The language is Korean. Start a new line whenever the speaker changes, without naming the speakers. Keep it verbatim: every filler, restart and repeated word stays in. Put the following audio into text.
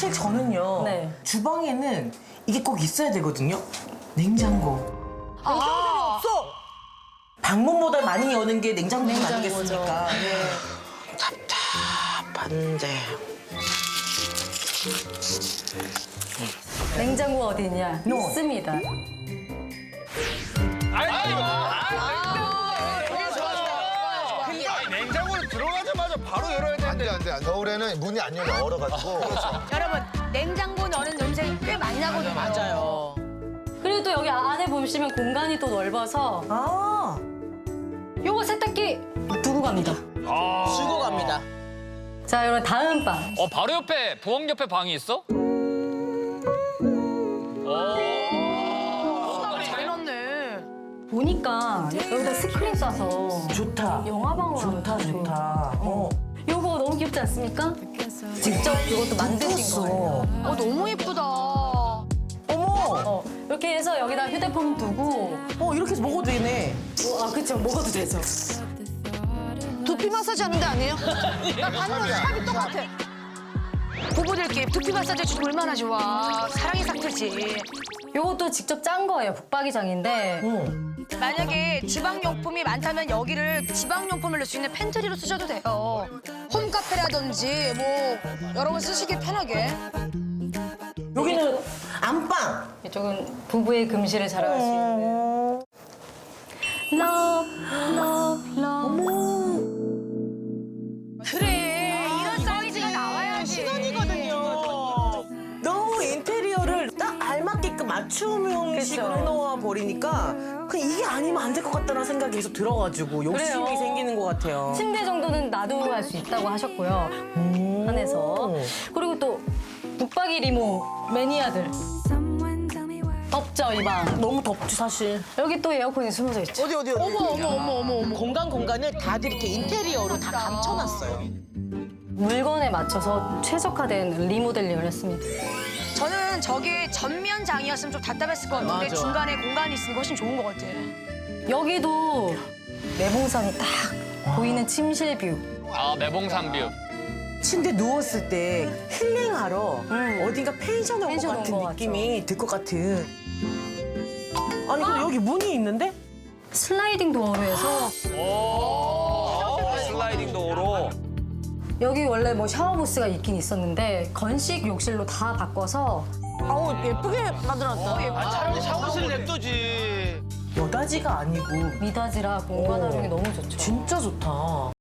사실 저는요.
네.
주방에는 이게 꼭 있어야 되거든요. 냉장고.
아, 없어.
방문보다 많이 여는 게 냉장고
냉장고죠.
아니겠습니까? 네. 답답한데.
냉장고 어디 있냐?
No.
있습니다.
아니, 냉장고에 들어가자마자 바로 열어야 되는데.
안돼 안돼 안돼. 겨울에는 문이 안 열려 얼어가지고.
여러분, 냉장고 넣는 냄새 꽤 많이 나거든요.
맞아요.
그리고 또 여기 안에 보시면 공간이 또 넓어서
아,
요거 세탁기 두고 갑니다.
주고 갑니다.
자, 여러분 다음 방.
어 바로 옆에 부엌 옆에 방이 있어?
잘 넣네.
보니까 여기다 스크린 쏴서
좋다.
영화방으로
좋다,
하면 좋을
좋다. 어.
요거 너무 귀엽지 않습니까? 직접 이것도 만드신 거예요.
어, 너무 예쁘다.
어머,
어, 이렇게 해서 여기다 휴대폰 두고
어 이렇게 해서 먹어도 되네.
어, 아 그쵸 먹어도 되죠.
두피 마사지 하는 데 아니에요? 나 봤는데 샵이 똑같아. 부부들끼리 두피 마사지 해주면 얼마나 좋아. 사랑의 상태지.
요것도 직접 짠 거예요. 북박이장인데
응.
만약에 주방용품이 많다면 여기를 지방용품을 넣을 수 있는 팬트리로 쓰셔도 돼요. 홈카페라든지 뭐 여러 번 쓰시기 편하게.
여기는 안방.
이쪽은 부부의 금실을 자랑할 수 있는 Love, love, love.
그래, 이런 사이즈가 나와야지.
시간이거든요. 너무 인테리어를 딱 알맞게끔 맞춤 형식으로
그쵸.
해놓아 버리니까 그냥 이게 아니면 안 될 것 같다는 생각이 계속 들어가지고 욕심이
그래요.
생기는 것 같아요.
침대 정도는 놔두고 갈 수 있다고 하셨고요.
음.
안에서. 그리고 또 북박이 리모 매니아들. 덥죠, 이 방.
너무 덥지 사실.
여기 또 에어컨이 숨어져 있죠.
어디 어디 어디.
어머, 어머, 어머, 어머, 어머.
공간 공간을 다들 이렇게 인테리어로 다 감춰놨어요.
물건에 맞춰서 최적화된 리모델링을 했습니다.
저는 저게 전면장이었으면 좀 답답했을 것 같은데
맞아.
중간에 공간이 있으니까 훨씬 좋은 것 같아.
여기도 내봉산이 딱 보이는 침실 뷰.
아 매봉산 뷰.
침대 누웠을 때 힐링하러
음.
어딘가 펜션 온 것
펜션 온
같은
것
느낌이 들 것 같은. 아니 근데 여기 문이 있는데?
슬라이딩 도어로 해서
오 슬라이딩 도어로.
여기 원래 뭐 샤워부스가 있긴 있었는데 건식 욕실로 다 바꿔서
아우 예쁘게 만들었다.
아, 차라리 샤워실 냅두지.
여다지가 아니고
미닫이라 공간 활용이 너무 좋죠.
진짜 좋다.